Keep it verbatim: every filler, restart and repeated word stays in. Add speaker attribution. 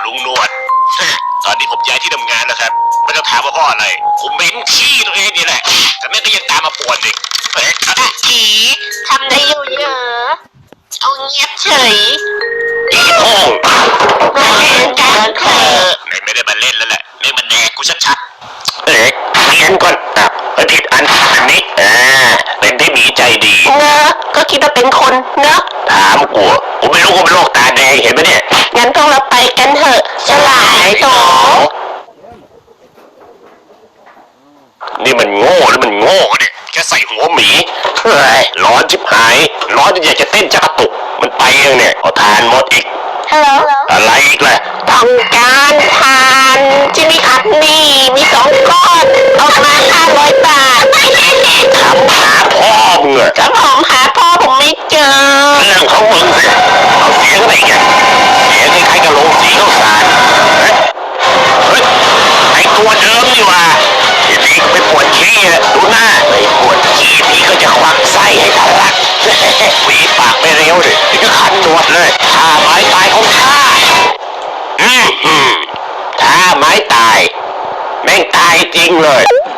Speaker 1: ลุงหนวดตอนนี้ผมย้ายที่ทำงานแล้วครับไม่ต้องถามว่าพ่ออะไรผมเหม็นขี้ตัวเองนี่แหละแต่แม่ก็ยังตามมาป่วนอีกเอ๊ะอีทำได้อยู่เยอะเอาเงียบเฉยอีโอ่งมาเล่นกันเถอะไม่ได้มาเล่นแล้วแหละเล่นมันแดกกูชัดๆเอ๊ะเรียนก่อนอ่ะผิดอันอันนี้อ่าเป็นที่มีใจดีเนอะก็คิดว่าเป็นคนเนอะถามกูกูไม่รู้กูเป็นโรคตาแดงเห็นไหมเนี่ยงั้นพวกเราไปกันเถอะสลายโตนี่มันโง่หรือมันโง่เนี่ยแค่ใส่หัวหมีเฮ้ยร้อนชิบหายร้อนจนอยากจะเต้นจักระตุกมันไปยังเนี่ยเอาทานหมดอีกฮัลโหลอะไรอีกล่ะต้องการทานที่มีอัดนี่มีสองก้อนเอามาห้าร้อยบาทถามหาพ่อมึงอะก็ผมหาพ่อผมไม่เจอเรื่องของมึงสิเอาเสียงอะไรกันเสียงคล้ายๆกับโรงสีข้าวสารเฮ้ยเฮ้ยไอตัวเดิมนี่ว่าทีนี้ไปปวดขี้อะดูหน้าไปปวดขี้พี่ก็จะควักไส้ให้ทะลักวีปากไม่เร็วเลยนี่ก็คันหนวดเลยท่าไม้ตายของข้าอืมอืมท่าไม้ตายแม่งตายจริงเลย